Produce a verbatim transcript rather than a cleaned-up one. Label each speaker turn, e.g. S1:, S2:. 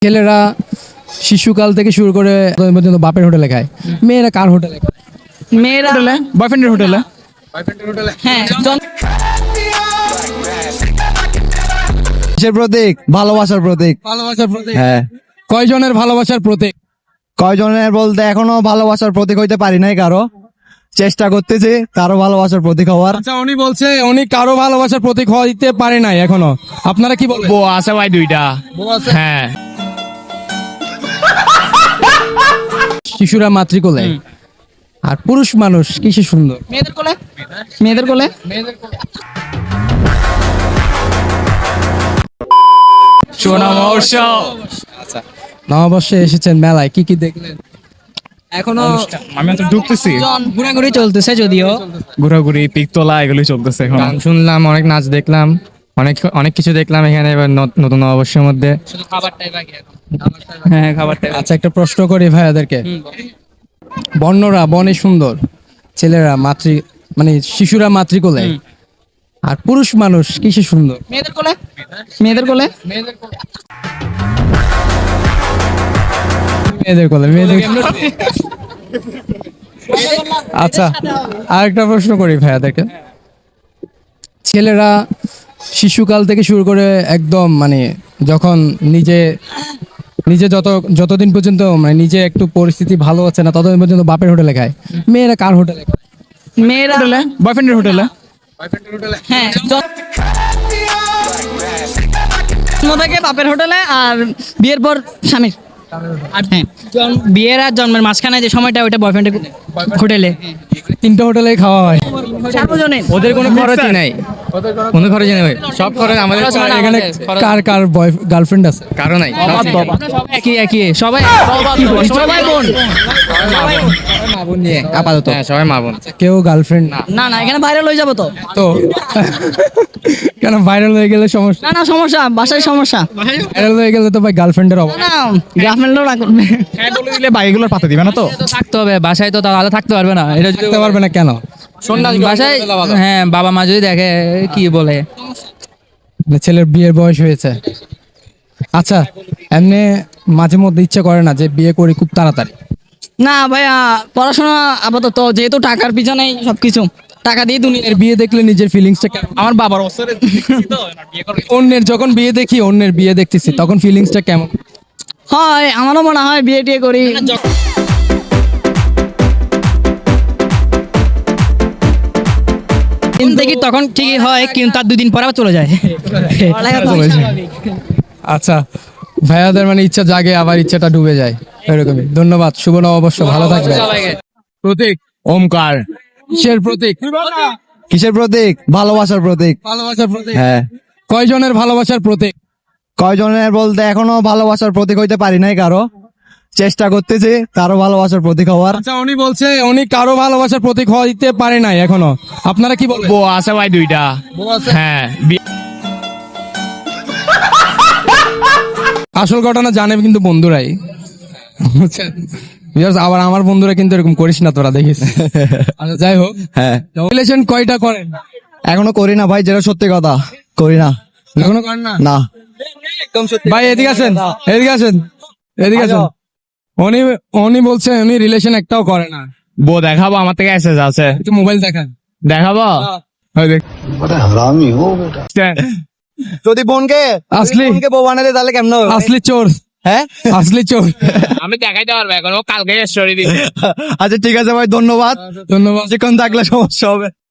S1: ছেলেরা শিশুকাল থেকে শুরু করে ততদিন পর্যন্ত বাপের হোটেলে খায়, মেয়েরা কার হোটেলে খায়?
S2: মেয়েরা
S1: হোটেলে, বয়ফ্রেন্ডের হোটেলে।
S2: হ্যাঁ জন-
S3: কিসের প্রতীক? ভালোবাসার প্রতীক।
S1: ভালোবাসার প্রতীক।
S3: হ্যাঁ।
S1: কয়জনের ভালোবাসার প্রতীক?
S3: কয়জনের বলতে এখনো ভালোবাসার প্রতীক হইতে পারি নাই কারো, চেষ্টা করতেছি কারো ভালোবাসার প্রতীক হওয়ার।
S1: আচ্ছা, উনি বলছে উনি কারো ভালোবাসার প্রতীক হইতে পারে নাই এখনো। আপনারা কি বলবেন?
S4: বউ আছে ভাই দুইটা। হ্যাঁ,
S1: শিশুরা মাতৃকোলে আর পুরুষ মানুষ কিসে সুন্দর?
S2: মেয়েদের কোলে মেয়েদের কোলে
S4: সোনা মহর্ষ।
S1: নববর্ষে এসেছেন মেলায়, কি কি দেখলেন?
S2: এখনো
S4: আমি তো ঢুকতেছি,
S2: জন ঘোরাঘুরি চলতেছে, যদিও
S4: ঘোরাঘুরি পিকতলা এগুলোই চলতেছে এখন।
S5: গান শুনলাম, অনেক নাচ দেখলাম, অনেক অনেক কিছু দেখলাম এখানে এবার ন- নতুন নববর্ষের মধ্যে।
S2: শুধু খাবারটাই বাকি এখন।
S5: হ্যাঁ, খাবারটা
S1: আচ্ছা, একটা প্রশ্ন করি ভাইয়াদেরকে। বর্ণরা বনে সুন্দর, ছেলেরা মাতৃ মানে শিশুরা মাতৃকোলে আর পুরুষ মানুষ কিসে সুন্দর?
S2: মেয়েদের কোলে মেয়েদের কোলে
S1: মেয়েদের কোলে, মেয়েদের আচ্ছা, আরেকটা প্রশ্ন করি ভাইয়াদেরকে। ছেলেরা শিশুকাল থেকে শুরু করে একদম মানে যখন নিজে নিজে যত যতদিন পর্যন্ত মানে নিজে একটু পরিস্থিতি ভালো হচ্ছে না ততদিন পর্যন্ত বাপের হোটেলে খায়, মেয়েরা কার হোটেলে খায়?
S2: মেয়েরা
S1: বয়ফ্রেন্ডের হোটেলে।
S2: হ্যাঁ জন- জন্ম থেকে বাপের হোটেলে আর বিয়ের পর স্বামীর। আর হ্যাঁ জন- বিয়ের আর জন্মের মাঝখানে যে সময়টা ওইটা বয়ফ্রেন্ডের হোটেলে।
S1: তিনটা হোটেলেই খাওয়া হয়।
S2: সার্বজনীন
S5: ওদের কোনো খরচই নাই, কোনো খরচই নেই ভাই, সব খরচ আমাদের।
S1: এখানে কার কার বয় গার্লফ্রেন্ড আছে?
S5: কারো নাই,
S2: সবাই একই একই সবাই সবাই বোন।
S5: মা বোন নিয়ে আপাতত। হ্যাঁ, সবাই মা বোন।
S1: কেউ গার্লফ্রেন্ড না?
S2: না না এখানে ভাইরাল হয়ে যাবো তো।
S1: তো কেন ভাইরাল হয়ে গেলে সমস্যা?
S2: না না সমস্যা, বাসায় সমস্যা।
S1: ভাইরাল হয়ে গেলে তো ভাই গার্লফ্রেন্ডের অভাব।
S2: না গার্লফ্রেন্ডও না করবে।
S4: হ্যাঁ বলে দিলে বাইকগুলোর পাতা দিবে না তো।
S5: থাকতে হবে বাসায়, তো তাহলে থাকতে পারবে না। এটা যদি
S1: থাকতে পারবে না কেন?
S5: বাসায়, হ্যাঁ বাবা মা যদি দেখে কি বলে।
S1: মানে ছেলের বিয়ের বয়স হয়েছে। আচ্ছা, এমনি মাঝে মধ্যে ইচ্ছা করে না যে বিয়ে করি খুব তাড়াতাড়ি?
S2: না ভাইয়া, পড়াশোনা আপাতত যেহেতু টাকার পিছনেই সবকিছু, টাকা দিয়ে দুনিয়া।
S1: এর বিয়ে দেখলে নিজের ফিলিংসটা কেমন?
S4: আমার বাবার অবসরে
S1: অন্যের যখন বিয়ে দেখি, অন্যের বিয়ে দেখতেছি, তখন ফিলিংসটা কেমন?
S2: হয় আমারও মনে হয় বিয়ে টিয়ে করি। কিন্তু কি তখন ঠিকই হয়, কিন্তু তার দুই দিন পরে আবার চলে যায়।
S1: আচ্ছা, ভাইয়াদের মানে ইচ্ছা জাগে আবার ইচ্ছাটা ডুবে যায়, এরকমই। ধন্যবাদ, শুভ নববর্ষ, ভালো থাকবেন। প্রতীক
S4: ওমকার।
S1: কিসের প্রতীক?
S3: কিসের প্রতীক? ভালোবাসার প্রতীক।
S1: ভালোবাসার প্রতীক।
S3: হ্যাঁ।
S1: কয়জনের ভালোবাসার প্রতীক?
S3: কয়জনের বলতে এখনো ভালোবাসার প্রতীক হইতে পারি নাই কারো, চেষ্টা করতেছি কারো ভালোবাসার প্রতীক হওয়ার।
S1: আচ্ছা, উনি বলছে উনি কারো ভালোবাসার প্রতীক হইতে পারে নাই এখনো। আপনারা কি বলবেন?
S4: বউ আছে ভাই দুইটা। হ্যাঁ, বি-
S1: আসল ঘটনা জানে কিন্তু বন্ধুরাই, বুঝছেন? Because আবার আমার বন্ধুরা কিন্তু এরকম করিস না তোরা, দেখিস। আচ্ছা, যাই হোক,
S3: হ্যাঁ।
S1: রিলেশন কয়টা করেন?
S3: এখনো করি না ভাই, যেটা সত্যি কথা, করি না।
S1: এখনো করেন না?
S3: না।
S1: ভাই এদিকে আসেন, এদিকে আসেন, এদিকে আসেন। উনি উনি বলছে উনি রিলেশন একটাও করে না।
S4: বউ দেখাবো, আমার থেকে এসেজ আছে,
S1: একটু মোবাইল দেখান।
S4: দেখাবো। ওই দেখ।
S3: যদি বোনকে
S1: আসলি?
S3: বোনকে বউ বানাতে তাহলে কেমন হবে?
S1: আসলি চোর,
S3: হ্যাঁ।
S1: আসলি চোর।
S4: আমি দেখাইতে পারবো এখন, ও কালকে স্টোরি দিবে।
S3: আচ্ছা ঠিক আছে ভাই, ধন্যবাদ।
S1: ধন্যবাদ।
S3: চিকন থাকলে সমস্যা হবে।